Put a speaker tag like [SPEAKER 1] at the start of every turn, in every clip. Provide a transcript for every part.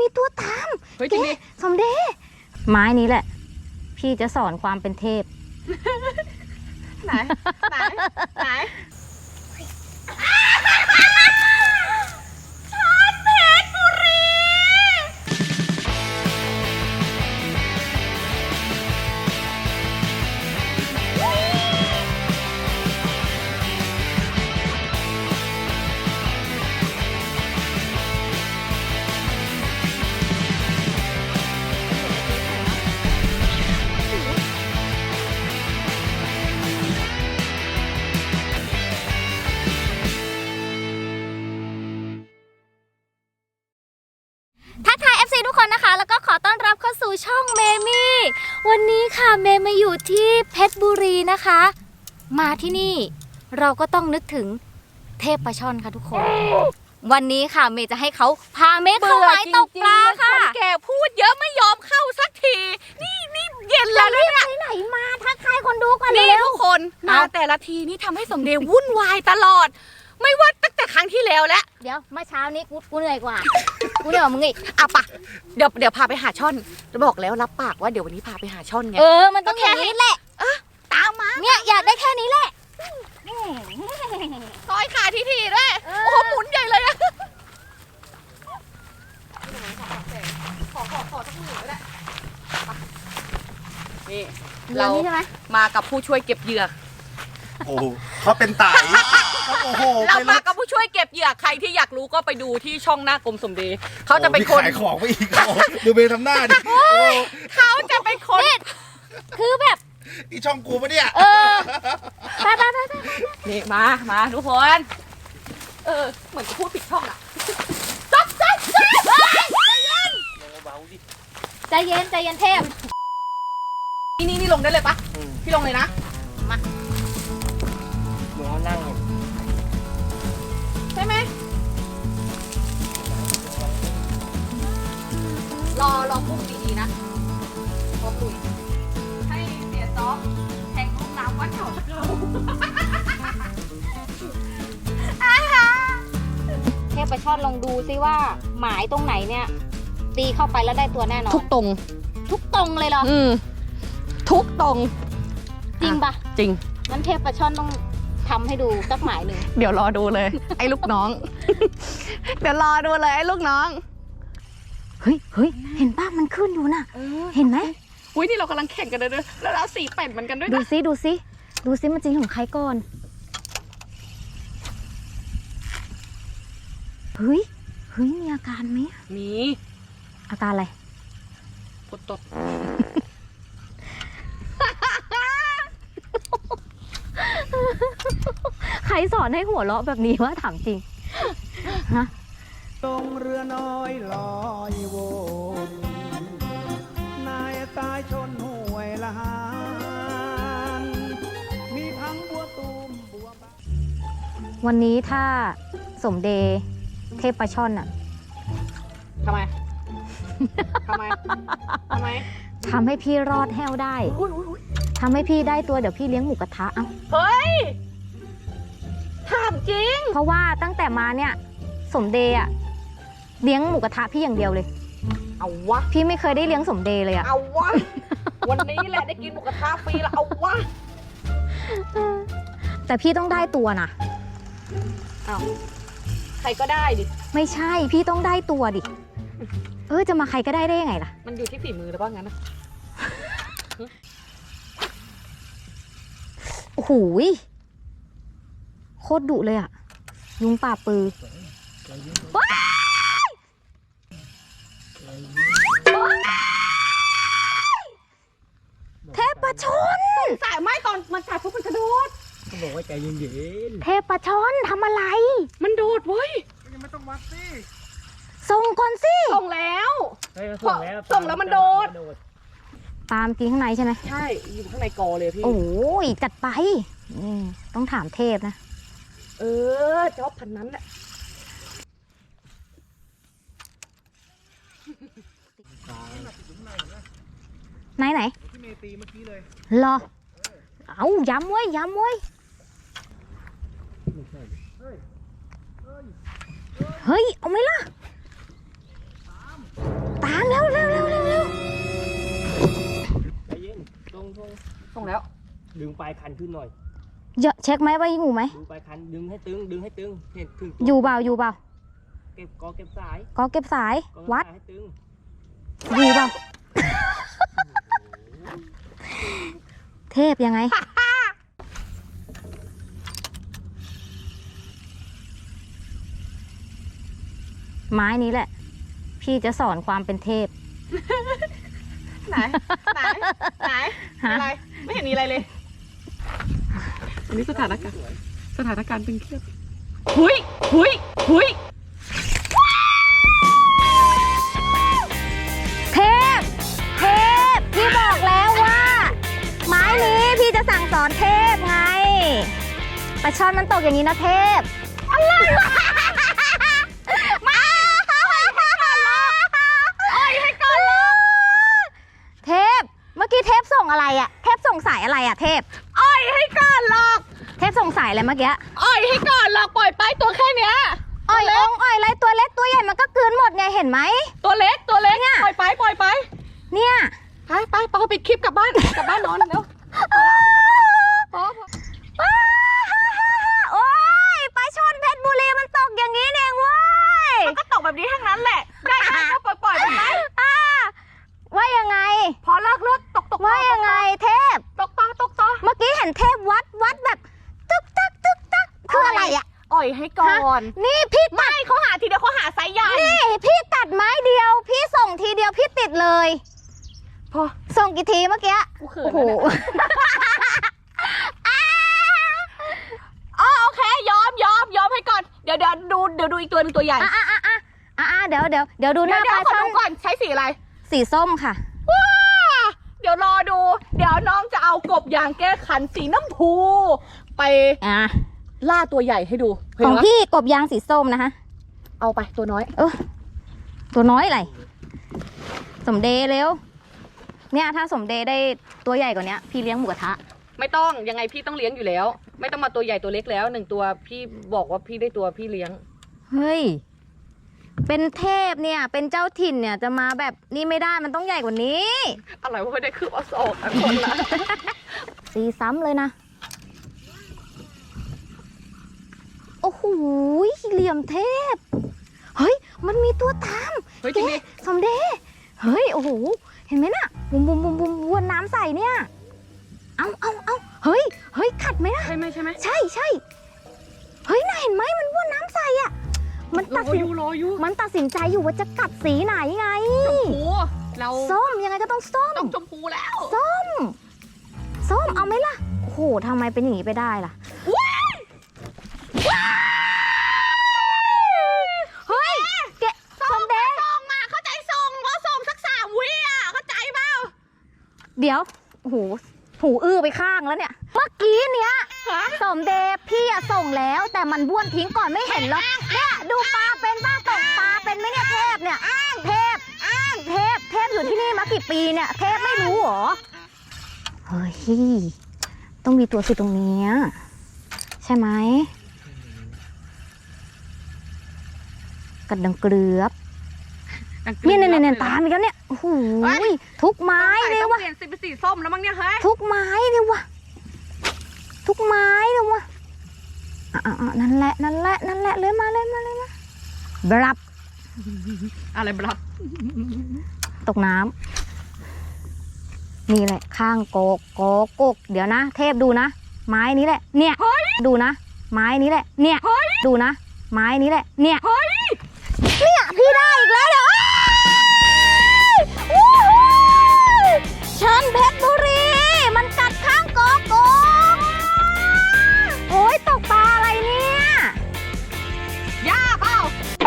[SPEAKER 1] มีตัวตาม
[SPEAKER 2] เฮ้ยจริงดิ
[SPEAKER 1] สมเด็จไม้นี้แหละพี่จะสอนความเป็นเทพ
[SPEAKER 2] ไหน
[SPEAKER 1] ทักทาย FC ทุกคนนะคะแล้วก็ขอต้อนรับเข้าสู่ช่องเมมี่วันนี้ค่ะเมย์มาอยู่ที่เพชรบุรีนะคะมาที่นี่เราก็ต้องนึกถึงเทพปลาช่อนค่ะทุกคนวันนี้ค่ะเมย์จะให้เขาพาเมย์เข้าหมายตกปลาค่ะ
[SPEAKER 2] คนแก่พูดเยอะไม่ยอมเข้าสักทีนี่เย็นแล้วเนี่ย
[SPEAKER 1] ไหนมาทักทายคนดูก่อน
[SPEAKER 2] นี่ทุกคนมาแต่ละทีนี่ทำให้สมเด็จวุ่นวายตลอดไม่ว่าตั้งแต่ครั้งที่แล้วแล้ว
[SPEAKER 1] เดี๋ยวเมื่อเช้านี้กูเหนื่อยกว่ากูเหนื่อยกว่ามึงอีก
[SPEAKER 2] อ่ะปะเดี๋ยวพาไปหาช่อนจะบอกแล้วรับปากว่าเดี๋ยววันนี้พาไปหาช่อนไง
[SPEAKER 1] มันต้องอย่างนี้แหละ
[SPEAKER 2] ตามมา
[SPEAKER 1] เนี่ยอยากได้แค่นี้แหละ
[SPEAKER 2] ซอยขาทีด้วยโอ้โหหมุนใหญ่เลยอะขอสักหนึ่งก็ได้นี่เรามากับผู้ช่วยเก็บเหยื่อ
[SPEAKER 3] โอ้เขาเป็นไต่โอ้โห
[SPEAKER 2] เรามากับผู้ช่วยเก็บเหยื่อใครที่อยากรู้ก็ไปดูที่ช่องหน้ากรมสมเด็จเขาจะเป็นคน
[SPEAKER 3] ขายของไปอีกดูเบย์ทำหน้าดิ
[SPEAKER 2] เขาจะเป็นคน
[SPEAKER 1] คือแบบ
[SPEAKER 3] นี่ช่องกูปะเนี่ย
[SPEAKER 1] ไป
[SPEAKER 2] นี่มาทุกคนเหมือนจะพูดผิดช่องอะ
[SPEAKER 1] ใจเย็นเทพ
[SPEAKER 2] นี่ลงได้เลยปะพี่ลงเลยนะมา
[SPEAKER 3] หนูนั่ง
[SPEAKER 2] ใช่ไหมรอพุ่งดีๆนะพอลุยให้เสียซอฟแทงลูกน้ำวัดเขา
[SPEAKER 1] เทพปลาช่อนลองดูซิว่าหมายตรงไหนเนี่ยตีเข้าไปแล้วได้ตัวแน่นอน
[SPEAKER 2] ทุกตรง
[SPEAKER 1] เลยเหรอ
[SPEAKER 2] ทุกตรง
[SPEAKER 1] จริงปะ
[SPEAKER 2] จริง
[SPEAKER 1] งั้นเทพปลาช่อนต้องทำให้ดูสักหมายหนึ่ง
[SPEAKER 2] เดี๋ยวรอดูเลยไอ้ลูกน้องเดี๋ยวรอดูเลยไอ้ลูกน้อง
[SPEAKER 1] เฮ้ยเห็นป้ามันขึ้นอยู่น่ะเห็นไหม
[SPEAKER 2] อุ้ยนี่เรากำลังแข่งกันเลยแล้วเราสีเป็ดเหมือนกันด้วย
[SPEAKER 1] ดูซิมันจริงของใครก่อนเฮ้ยมีอาการไหม
[SPEAKER 2] มี
[SPEAKER 1] อาการอะไร
[SPEAKER 2] ปวดตด
[SPEAKER 1] ใครสอนให้หัวเราะแบบนี้วะถามจริงฮะ
[SPEAKER 4] ลงเรือน้อยลอยวนนายตายชนห้วยละหานมีทั้งบัวตูมบัวบาน
[SPEAKER 1] วันนี้ถ้าสมเด็จเทพปลาช่อนอะ
[SPEAKER 2] ทำไม
[SPEAKER 1] ทำให้พี่รอดแห้วได้ทำให้พี่ได้ตัวเดี๋ยวพี่เลี้ยงหมูกระทะ
[SPEAKER 2] เฮ้ยถามจริง
[SPEAKER 1] เพราะว่าตั้งแต่มาเนี่ยสมเด็จอะเลี้ยงหมูกระทะพี่อย่างเดียวเลย
[SPEAKER 2] เอาวะ
[SPEAKER 1] พี่ไม่เคยได้เลี้ยงสมเด็จเลยอะ
[SPEAKER 2] เอาวะวันนี้แหละได้กินหมูกระทะฟรีแล้วเอาวะ
[SPEAKER 1] แต่พี่ต้องได้ตัวนะ
[SPEAKER 2] เอาใครก็ได้ดิ
[SPEAKER 1] ไม่ใช่พี่ต้องได้ตัวดิจะมาใครก็ได้ยังไงล่ะ
[SPEAKER 2] มันอยู่ที่ฝีมือหรือเปล่างั้นนะ
[SPEAKER 1] โอ้โหโคตรดุเลยอะยุงป่าปือเทพปลาช่อน
[SPEAKER 2] สายไม้ตอนมันกัดปุ๊บมันกระโดด
[SPEAKER 3] เขาบอกว่าใจเย็น
[SPEAKER 1] ๆเทพปลาช่อนทำอะไร
[SPEAKER 2] มันโดดเว้ย
[SPEAKER 3] ยังไม่ต้องวัดสิ
[SPEAKER 1] ส่งก่อนสิ
[SPEAKER 2] ส่งแล้วส่งแล้วมันโดด
[SPEAKER 1] ปาล์มกินข้างในใช่ไหม
[SPEAKER 2] ใช่อยู่ข้างในกอเลยพี่
[SPEAKER 1] โอ้ยจัดไปต้องถามเทพนะ
[SPEAKER 2] จอบพันนั้นแหละ
[SPEAKER 1] ไหน
[SPEAKER 3] ที่เมตีเมื่อกี้เลย
[SPEAKER 1] รอเอาย้ำไว้เฮ้ยเอาไหมล่ะ
[SPEAKER 2] ส่งแล้ว
[SPEAKER 5] ดึงปลายคันขึ้นหน่อย
[SPEAKER 1] เยอะเช็คไหมว่าอยู่ไหม
[SPEAKER 5] ดึงปลายคันดึงให้ตึงดึงให้ตึงเห็นถึง
[SPEAKER 1] อยู่เปล่าอยู่เปล่า
[SPEAKER 5] เก็บเก็บสาย
[SPEAKER 1] ก็เก็บสาย
[SPEAKER 5] ก็
[SPEAKER 1] วัด
[SPEAKER 5] สายให้ตึง
[SPEAKER 1] อยู่เปล่า เทพยังไง ไม้นี้แหละ พี่จะสอนความเป็นเทพ
[SPEAKER 2] ไหนไหนไหน
[SPEAKER 1] ฮะ
[SPEAKER 2] อะไรไม่เห็นมีอะไรเลยอันนี้สถานการณ์ตึงเครียดหุย
[SPEAKER 1] เทพ เทพ พี่บอกแล้วว่า ไม้นี้พี่จะสั่งสอนเทพไงปลาช่อนมันตกอย่างนี้นะเทพ อะไรวะมาให้ก่อนลูกเทพ เมื่อกี้เทพส่งอะไรอะเทพส่งสายอะไรอะเทพ
[SPEAKER 2] อ้อยให้ก่อนหรอก
[SPEAKER 1] เทพส่งสายอะไรเมื่อกี้
[SPEAKER 2] อ้อยให้ก่อนหรอกปล่อยไปตัวแค่เนี้ย
[SPEAKER 1] อ้อยองอ้อยอะไรตัวเล็กตัวใหญ่มันก็กลืนหมดไงเห็นไหม
[SPEAKER 2] ตัวเล็ก
[SPEAKER 1] เนี่ย
[SPEAKER 2] ปล่อยไป
[SPEAKER 1] เนี่ย
[SPEAKER 2] ไปปิดคลิปกลับบ้านนอนเร็วพอ
[SPEAKER 1] โอ้ยปลาช่อนเพชรบุรีมันตกอย่างนี้เองเว้ย
[SPEAKER 2] มันก็ตกแบบนี้ทั้งนั้นแหละได้ก็ปล่อยไปไหม
[SPEAKER 1] ว่ายังไง
[SPEAKER 2] พอเลิกตก
[SPEAKER 1] ว่ายังไงเทพ
[SPEAKER 2] ตกต่อ
[SPEAKER 1] เมื่อกี้เห็นเทพวัดแบบตึกตักคืออะไรอ่ะ
[SPEAKER 2] อ่อยให้ก่อน
[SPEAKER 1] นี่พี่ตัด
[SPEAKER 2] ไม่เขาหาทีเดียวเขาหาไซส์ใหญ่
[SPEAKER 1] นี่พี่ตัดไม้เดียว พี่ส่งทีเดียวพี่ติดเลย
[SPEAKER 2] พอ
[SPEAKER 1] ส่งกี่ทีเมื่อกี้
[SPEAKER 2] กูเขิน
[SPEAKER 1] โอ้โห
[SPEAKER 2] แล้วเนี่ย อ๋อโอเคยอมให้ก่อนเดี๋ยวดูอีกตัวหนึงตัวใหญ่
[SPEAKER 1] เดี๋ยวดูหน้าปลา
[SPEAKER 2] ขอ
[SPEAKER 1] ช่อน
[SPEAKER 2] ดูก่อนใช้สีอะไร
[SPEAKER 1] สีส้มค่ะ
[SPEAKER 2] ว้าเดี๋ยวรอดูเดี๋ยวน้องจะเอากบยางแก้คันสีน้ำพูไปล่าตัวใหญ่ให้ดู
[SPEAKER 1] ของ
[SPEAKER 2] เห็นไหม
[SPEAKER 1] พี่กบยางสีส้มนะคะ
[SPEAKER 2] เอาไปตัวน้อย
[SPEAKER 1] ตัวน้อยอะไรสมเดย์เร็วเนี่ยถ้าสมเดย์ได้ตัวใหญ่กว่านี้พี่เลี้ยงหมูกระทะ
[SPEAKER 2] ไม่ต้องยังไงพี่ต้องเลี้ยงอยู่แล้ว ไม่ต้องมาตัวใหญ่ตัวเล็กแล้ว1ตัวพี่บอกว่าพี่ได้ตัวพี่เลี้ยง
[SPEAKER 1] เฮ้ยเป็นเทพเนี่ยเป็นเจ้าถิ่นเนี่ยจะมาแบบนี้ไม่ได้มันต้องใหญ่กว่านี้
[SPEAKER 2] อะไรว่าไม่ได้คืบเอาศอกอันคนละ
[SPEAKER 1] สีซ้ำเลยนะโอ้โหเหลี่ยมเทพเฮ้ยมันมีตัวตาม
[SPEAKER 2] เฮ้ยจริงดิ
[SPEAKER 1] สมเดย์เฮ้ยโอ้โหเห็นไหมน่ะบุมวนน้ำใส่เนี่ยเอาเฮ้ยขัดไหมนะ
[SPEAKER 2] ใช่ไหม
[SPEAKER 1] ใช่เฮ้ยน่าเห็นไหมมันวนน้ำใส่อ่ะมันตัดสิน
[SPEAKER 2] รออยู่
[SPEAKER 1] มันตัดสินใจอยู่ว่าจะกัดสีไหนไง
[SPEAKER 2] ชมพูเรา
[SPEAKER 1] ส้มยังไงก็ต้องส้ม
[SPEAKER 2] ต้องชมพูแล้ว
[SPEAKER 1] ส้มเอาไหมล่ะโอ้โหทำไมเป็นอย่างนี้ไปได้ล่ะเฮ้ยแกสมเดย์
[SPEAKER 2] ส่งมาเข้าใจส่งว่าส่งสัก3 วิอ่ะเข้าใจเปล่า
[SPEAKER 1] เดี๋ยวโอ้โหหูอื้อไปข้างแล้วเนี่ยเมื่อกี้เนี้ย
[SPEAKER 2] ฮะ
[SPEAKER 1] สมเดย์พี่อะส่งแล้วแต่มันบ้วนทิ้งก่อนไม่เห็นหรอกเนี่ยดูปลาเป็นบ้าตกปลาเป็นไหมเนี่ยเทพเนี่ยเทพอยู่ที่นี่มากี่ปีเนี่ยเทพไม่รู้เหรอเฮ้ยต้องมีตัวสิตรงเนี้ยใช่ไหมกัดดังเกลือบเนี่ยตามอีกแล้วเนี่ยโอ้โหทุกไม้เลยวะ
[SPEAKER 2] เปลี่ยนสีเป็นสีส้มแล้วมั้งเนี่ยเฮ้ย
[SPEAKER 1] ทุกไม้เลยวะนั่นแหละเลยมาบรับ
[SPEAKER 2] อะไรบลับ
[SPEAKER 1] ตกน้ำนี่แหละข้างโกกเดี๋ยวนะ เทพดูนะ ไม้นี้แหละเนี่ยดูนะ ไม้นี้แหละเนี่ยดูนะ ไม้นี้แหละเนี่ยพี่ได้อีกแล้วเดี๋ยวชันเพชรบุรีมันกัดข้างโกโอ้ยตกปลาอะไรเนี่ย
[SPEAKER 2] ย่าเปล่า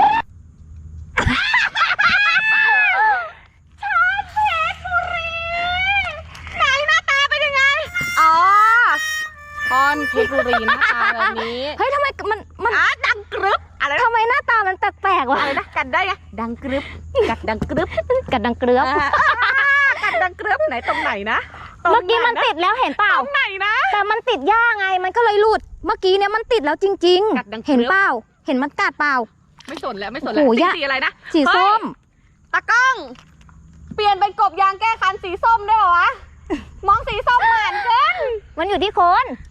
[SPEAKER 2] ไหนหน้าตาเป็นยังไงอ๋อคอนเพชรบุรีหน้าตาแบบนี้
[SPEAKER 1] เฮ้ยทำไมมัน
[SPEAKER 2] ดังกรึบอะไรนะ
[SPEAKER 1] ทำไมหน้าตามันแปลกๆวะ
[SPEAKER 2] อะไรนะกัดได้ไงดังกรึบกัดดังกรึบ
[SPEAKER 1] กัดดังเกลือบ
[SPEAKER 2] กัดดังกรึบไหนตรงไหนนะ
[SPEAKER 1] เมื่อกี้มันติดแล้วเห็นเปล่า
[SPEAKER 2] ตรงไหนนะ
[SPEAKER 1] แต่มันติดหญ้าไงมันก็เลยหลุด เมื่อกี้เนี่ยมันติดแล้วจริง
[SPEAKER 2] กัดดัง
[SPEAKER 1] ๆ เห็นเปล่า เห็นมันกัดเปล่า
[SPEAKER 2] ไม่สนแล้ว
[SPEAKER 1] โอ้โหย่า
[SPEAKER 2] สีอะไรนะ
[SPEAKER 1] สีส้ม
[SPEAKER 2] เฮ้ยตากล้อง เปลี่ยนเป็นกบยางแก้คันสีส้มได้เหรอวะมองสีส้มเหมือนกัน
[SPEAKER 1] มันอยู่ที่คน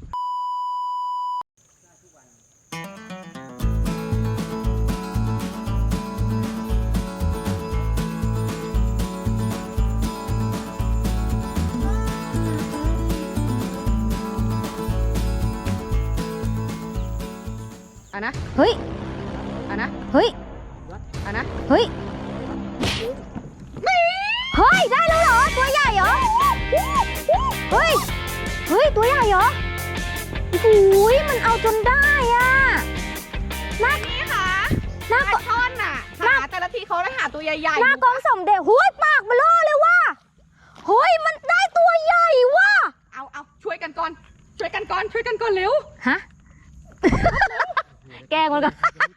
[SPEAKER 2] อ่ะนะ
[SPEAKER 1] เฮ้ย
[SPEAKER 2] อ่ะนะ
[SPEAKER 1] เฮ้ย
[SPEAKER 2] อ่ะนะ
[SPEAKER 1] เฮ้ย เฮ้ย ได้แล้วเหรอ ตัวใหญ่เหรอ เฮ้ย เฮ้ย ตัวใหญ่เหรอโอ้ยมันเอาจนได้อ่ะน่า
[SPEAKER 2] นี่ค่ะ
[SPEAKER 1] น่า
[SPEAKER 2] ปลาช่อนน่ะหาแต่ละทีเขาได้หาตัวใหญ่ๆ
[SPEAKER 1] หน้ากองสมเด็จหุ้ยปากเบลอเลยว่ะเฮ้ย มันได้ตัวใหญ่ว่ะ
[SPEAKER 2] เอาช่วยกันก่อน ช่วยกันก่อนเร็ว
[SPEAKER 1] ฮะ แกล้งมันก่อน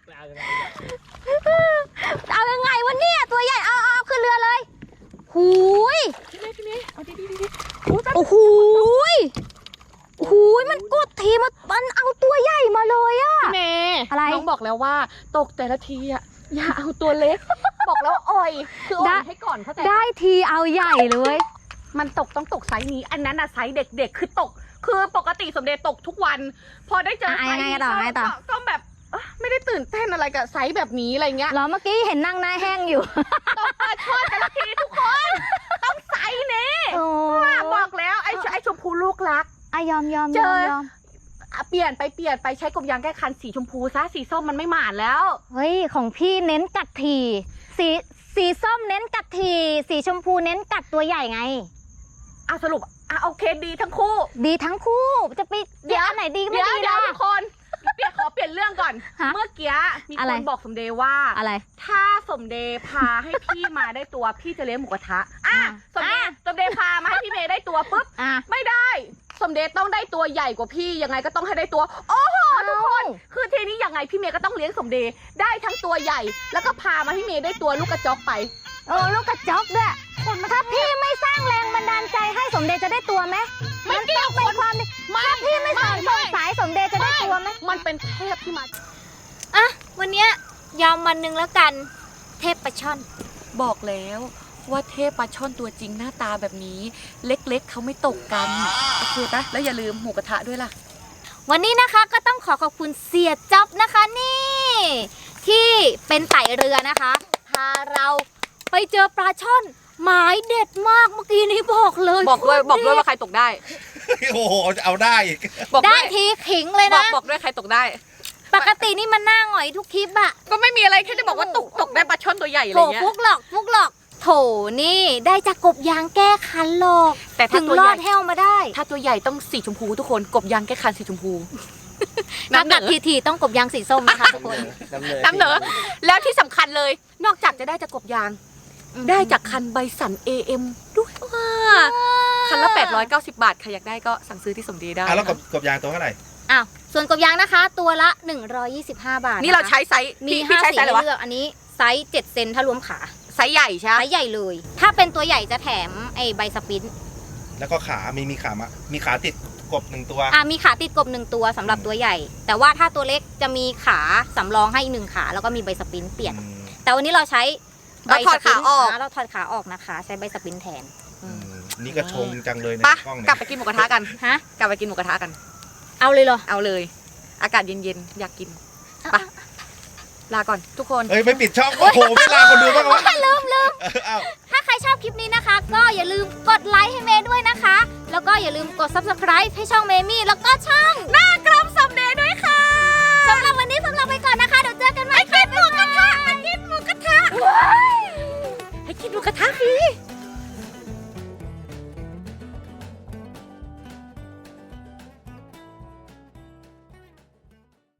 [SPEAKER 1] เอายังไงวะเนี่ย ตัวใหญ่ เอาขึ้นเรือเลยหูย
[SPEAKER 2] พี่เมย์เอาดี
[SPEAKER 1] โอ้โหยโอ้โหยมันกดทีมันเอาตัวใหญ่มาเลยอะ
[SPEAKER 2] ๆเมย์
[SPEAKER 1] อะไร
[SPEAKER 2] น้องบอกแล้วว่าตกแต่ละทีอ่ะอย่าเอาตัวเล็ก บอกแล้วอ่อยคืออ่อยให้ก่อนเข้าใจปะ
[SPEAKER 1] ได้ทีเอาใหญ่เลย
[SPEAKER 2] มันต้องตกไซส์นี้ อันนั้นอะไซส์เด็กๆ คือตก คือปกติสมเด็จตกทุกวัน พอได้เจอไซส์นี้ก็แบบไม่ได้ตื่นเต้นอะไรกับไซส์แบบนี้อะไรเงี้ย
[SPEAKER 1] เหรอเมื่อกี้เห็นนั่งหน้าแห้งอยู่
[SPEAKER 2] ตกปลาช่อนแต่ละทีทุกคน ต้องไซส์นี้
[SPEAKER 1] โอ้
[SPEAKER 2] บอกแล้วไอ้ชมพูลูกรัก
[SPEAKER 1] อะยอม
[SPEAKER 2] เจอ เปลี่ยนไปใช้กบยางแก้คันสีชมพูซะสีส้มมันไม่หมานแล้ว
[SPEAKER 1] เฮ้ยของพี่เน้นกัดทีสีส้มเน้นกัดทีสีชมพูเน้นกัดตัวใหญ่ไง
[SPEAKER 2] สรุปโอเคดีทั้งคู่
[SPEAKER 1] ดีทั้งคู่จะไปเดี๋ยวอันไหนดีก็ไม่ดี
[SPEAKER 2] เดี๋ย
[SPEAKER 1] ล่ะ
[SPEAKER 2] วทุกคนขอเปลี่ยนเรื่องก่อน
[SPEAKER 1] ฮะ
[SPEAKER 2] เมื่อกี้มี
[SPEAKER 1] อะ
[SPEAKER 2] ค
[SPEAKER 1] ไร
[SPEAKER 2] นบอกสมเด็จว่า
[SPEAKER 1] อะไร
[SPEAKER 2] ถ้าสมเด็จพาให้พี่มาได้ตัว พี่จะเลี้ยงหมูกระทะสมเด็จพามาให้พี่เมย์ได้ตัวปุ๊บ
[SPEAKER 1] อ่ะ
[SPEAKER 2] ไม่ได้ สมเด็จต้องได้ตัวใหญ่กว่าพี่ยังไงก็ต้องให้ได้ตัว โอ้โหทุกคน คือทีนี้ยังไงพี่เมย์ก็ต้องเลี้ยงสมเด็จได้ทั้งตัวใหญ่ แล้วก็พามาให้เมย์ได้ตัวลูกกระจอกไป
[SPEAKER 1] ลูกกระจอกด้วยถ้าพี่ไม่สร้างแรงบันดาลใจให้สมเด็จจะได้ตัวไหม
[SPEAKER 2] ไม่เกี่ยว
[SPEAKER 1] เป็นความดีถ้าพี่ไม่สอนส่งสายสมเด็จจะได้ตัวไหม
[SPEAKER 2] มันเป็นเทพที่มา
[SPEAKER 1] อ่ะวันเนี้ยยอมวันหนึ่งแล้วกัน เทพปลาช่อน
[SPEAKER 2] บอกแล้วว่าเทพปลาช่อนตัวจริงหน้าตาแบบนี้ เล็กๆเขาไม่ตกกันโอเคปะแล้วอย่าลืมหมูกระทะด้วยล่ะ
[SPEAKER 1] วันนี้นะคะก็ต้องขอบคุณเสียจ๊อบนะคะนี่ ที่เป็นไต่เรือนะคะพาเราไปเจอปลาช่อนหมายเด็ดมากเมื่อกี้นี้บอกเลย
[SPEAKER 2] บอกด้วยว่าใครตกได้
[SPEAKER 3] โอ้โหจะเอาได้อีก
[SPEAKER 2] บอก
[SPEAKER 1] ได้
[SPEAKER 2] ด้วย
[SPEAKER 1] ทีขิงเลยนะ
[SPEAKER 2] บอกด้วยใครตกได้
[SPEAKER 1] ปกตินี่มันหน้าหงอยทุกคลิปอะ
[SPEAKER 2] ก็ไม่มีอะไรแค่จะบอกว่าตกได้ปลาช่อนตัวใหญ่อะไร
[SPEAKER 1] โถ
[SPEAKER 2] เงี้ย
[SPEAKER 1] ฟุกหลอกโถนี่ได้จากกบยางแก้คันหรอก
[SPEAKER 2] แต่ถ้า
[SPEAKER 1] ถึง
[SPEAKER 2] ตัว
[SPEAKER 1] ร
[SPEAKER 2] ให
[SPEAKER 1] อ
[SPEAKER 2] ญ่
[SPEAKER 1] ดแห้วมาได้
[SPEAKER 2] ถ้าตัวใหญ่ต้องสีชมพูทุกคนกบยางแก้คันสีชมพู
[SPEAKER 1] ถ้ากัดทีต้องกบยางสีส้มนะคะทุกคน
[SPEAKER 2] น้ำเหนอแล้วที่สำคัญเลย นอกจากจะได้จากกบยาง ได้จากคันใบสัน AM ด้วยว่าคันละ890 บาทใครอยากได้ก็สั่งซื้อที่สมเด็จได้
[SPEAKER 3] แล้วกบยางตัวเท่าไหร่
[SPEAKER 1] อ้าวส่วนกบยางนะคะ ตัวละ 125 บาท
[SPEAKER 2] นี่เราใช้ไซส์
[SPEAKER 1] มี
[SPEAKER 2] พี่
[SPEAKER 1] 5
[SPEAKER 2] ใช้
[SPEAKER 1] สี
[SPEAKER 2] ไซส์อะไร
[SPEAKER 1] ให้
[SPEAKER 2] วะ
[SPEAKER 1] เลือกอันนี้ไซส์7เซนถ้ารวมขา
[SPEAKER 2] ไซส์ใหญ่ใช่ไหม
[SPEAKER 1] ไซส์ใหญ่เลย ถ้าเป็นตัวใหญ่จะแถมไอ้ใบสปรินต์
[SPEAKER 3] แล้วก็ขามีขาติดกบหนึ่งตัว
[SPEAKER 1] มีขาติดกบ1ตัวสำหรับตัวใหญ่ แต่ว่าถ้าตัวเล็กจะมีขาสำรองให้อีก1ขาแล้วก็มีใบสปรินต์เปลี่ยน แต่วันนี้เราใช้ใบ
[SPEAKER 2] เราถอดขาออก
[SPEAKER 1] เราถอดขาออกนะคะ ใช้ใบสปรินต์แทน
[SPEAKER 3] นี่ก็ชงจังเลยใน
[SPEAKER 2] ปะ
[SPEAKER 3] กล้อง
[SPEAKER 2] ก
[SPEAKER 3] เนี่
[SPEAKER 2] ลับ
[SPEAKER 3] ย
[SPEAKER 2] ไปกินหมูกระทะกัน
[SPEAKER 1] ฮะ
[SPEAKER 2] กลับไปกินหมูกระทะกัน
[SPEAKER 1] เอาเลยเหรอ
[SPEAKER 2] เอาเลย อากาศเย็นๆ อยากกินไปะลาก่อนทุกคน
[SPEAKER 3] เอ้ยไม่ปิดช่อง โอ้โหไม่ลาคนดูบ้างวะ
[SPEAKER 1] ลืม
[SPEAKER 3] อ้าว
[SPEAKER 1] ถ้าใครชอบคลิปนี้นะคะ ก็อย่าลืมกดไลค์ให้เมย์ด้วยนะคะ แล้วก็อย่าลืมกด subscribe ให้ช่องเมมี่แล้วก็ช่องหน้ากรมสมเด็จด้วยค่ะสำหรับวันนี้พวกเราไปก่อนนะคะ เดี๋ยวเจอกันใหม่